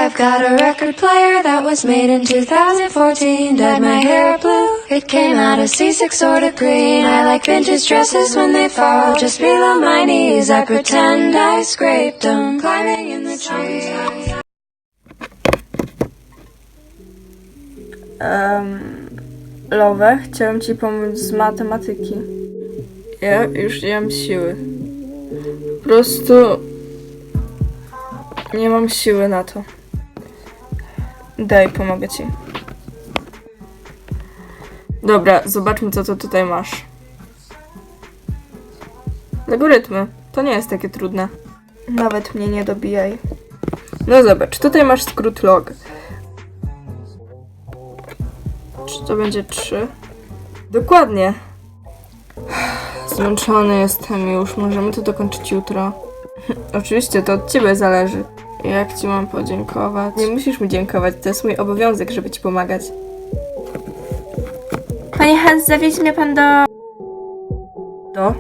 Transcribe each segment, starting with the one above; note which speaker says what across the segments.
Speaker 1: I've got a record player that was made in 2014. Dyed my hair blue, it came out a C6 sort of green. I like vintage dresses when they fall just below my knees. I pretend I scraped them, climbing in the trees.
Speaker 2: Love, chciałem ci pomóc z matematyki. Ja już nie mam siły. Po prostu nie mam siły na to. Daj, pomogę ci. Dobra, zobaczmy, co to tutaj masz. Logarytmy. To nie jest takie trudne. Nawet mnie nie dobijaj. No zobacz, tutaj masz skrót log. Czy to będzie 3? Dokładnie. Zmęczony jestem już. Możemy to dokończyć jutro. Oczywiście, to od ciebie zależy. Jak ci mam podziękować? Nie musisz mi dziękować. To jest mój obowiązek, żeby ci pomagać.
Speaker 3: Panie Hans, zawieź mnie pan do...
Speaker 2: Do?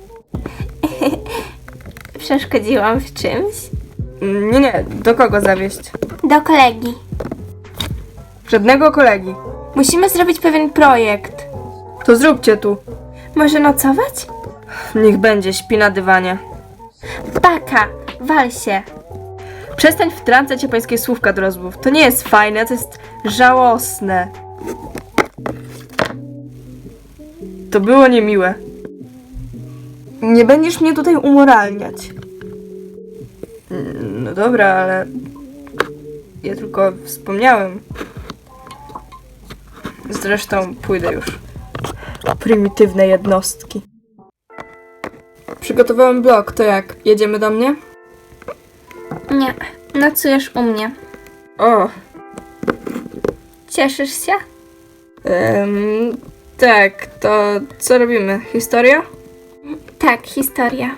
Speaker 3: Przeszkodziłam w czymś?
Speaker 2: Nie. Do kogo zawieźć?
Speaker 3: Do kolegi.
Speaker 2: Żadnego kolegi.
Speaker 3: Musimy zrobić pewien projekt.
Speaker 2: To zróbcie tu.
Speaker 3: Może nocować?
Speaker 2: Niech będzie, śpi na dywanie.
Speaker 3: Baka, wal się.
Speaker 2: Przestań wtrącać japońskie słówka do rozmów. To nie jest fajne, to jest żałosne. To było niemiłe. Nie będziesz mnie tutaj umoralniać. No dobra, ale... Ja tylko wspomniałem. Zresztą pójdę już. Prymitywne jednostki. Przygotowałem blog, to jak? Jedziemy do mnie?
Speaker 3: Nie, nocujesz u mnie.
Speaker 2: O!
Speaker 3: Cieszysz się?
Speaker 2: Tak, to co robimy? Historia?
Speaker 3: Tak, historia.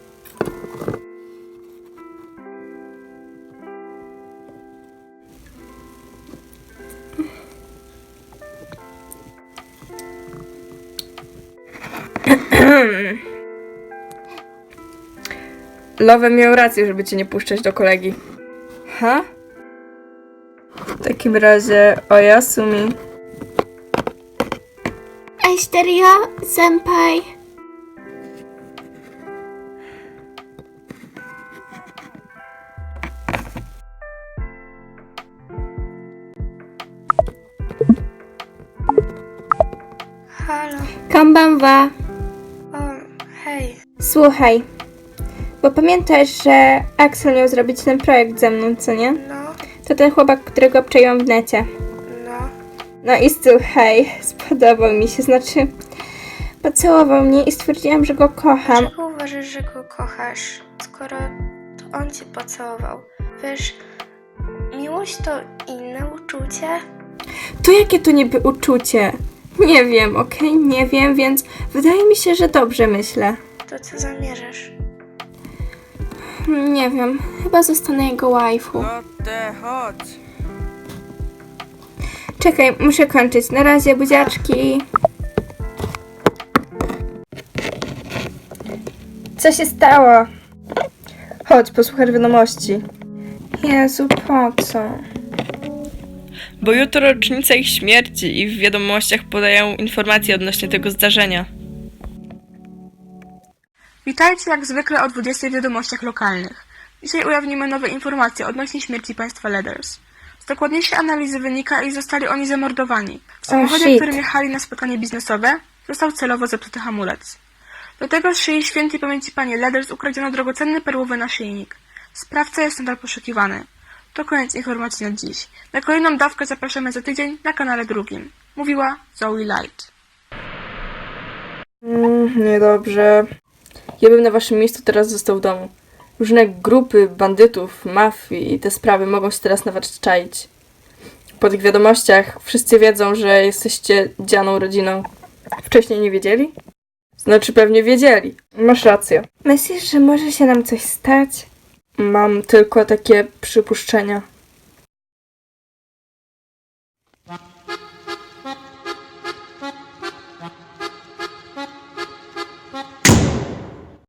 Speaker 2: Love miał rację, żeby cię nie puszczać do kolegi. Ha? W takim razie Oyasumi.
Speaker 3: Asterio, senpai.
Speaker 4: Halo,
Speaker 3: Konbanwa.
Speaker 4: hej.
Speaker 3: Słuchaj, bo pamiętasz, że Axel miał zrobić ten projekt ze mną, co nie?
Speaker 4: No,
Speaker 3: To ten chłopak, którego obczaiłam w necie.
Speaker 4: no.
Speaker 3: No i słuchaj, spodobał mi się, znaczy pocałował mnie i stwierdziłam, że go kocham.
Speaker 4: Dlaczego uważasz, że go kochasz, skoro to on cię pocałował? Wiesz, miłość to inne uczucie.
Speaker 3: To jakie to niby uczucie? Nie wiem, okej? Nie wiem, więc wydaje mi się, że dobrze myślę.
Speaker 4: To co zamierzasz?
Speaker 3: Nie wiem, chyba zostanę jego waifu.
Speaker 2: Chodź.
Speaker 3: Czekaj, muszę kończyć. Na razie, buziaczki. Co się stało?
Speaker 2: Chodź, posłuchaj wiadomości.
Speaker 3: Jezu, po co?
Speaker 2: Bo jutro rocznica ich śmierci i w wiadomościach podają informacje odnośnie tego zdarzenia.
Speaker 5: Witajcie jak zwykle o 20 w wiadomościach lokalnych. Dzisiaj ujawnimy nowe informacje odnośnie śmierci państwa Leathers. Z dokładniejszej analizy wynika, iż zostali oni zamordowani. W samochodzie,
Speaker 3: shit.
Speaker 5: którym jechali na spotkanie biznesowe, został celowo zepsuty hamulec. Do tego z szyi świętej pamięci pani Leathers ukradziono drogocenny perłowy naszyjnik. Sprawca jest nadal poszukiwany. To koniec informacji na dziś. Na kolejną dawkę zapraszamy za tydzień na kanale drugim. Mówiła Zoe Light.
Speaker 2: Niedobrze. Ja bym na waszym miejscu teraz został w domu. Różne grupy bandytów, mafii i te sprawy mogą się teraz na was czaić. Po tych wiadomościach wszyscy wiedzą, że jesteście dzianą rodziną. Wcześniej nie wiedzieli? Znaczy pewnie wiedzieli. Masz rację.
Speaker 3: Myślisz, że może się nam coś stać?
Speaker 2: Mam tylko takie przypuszczenia.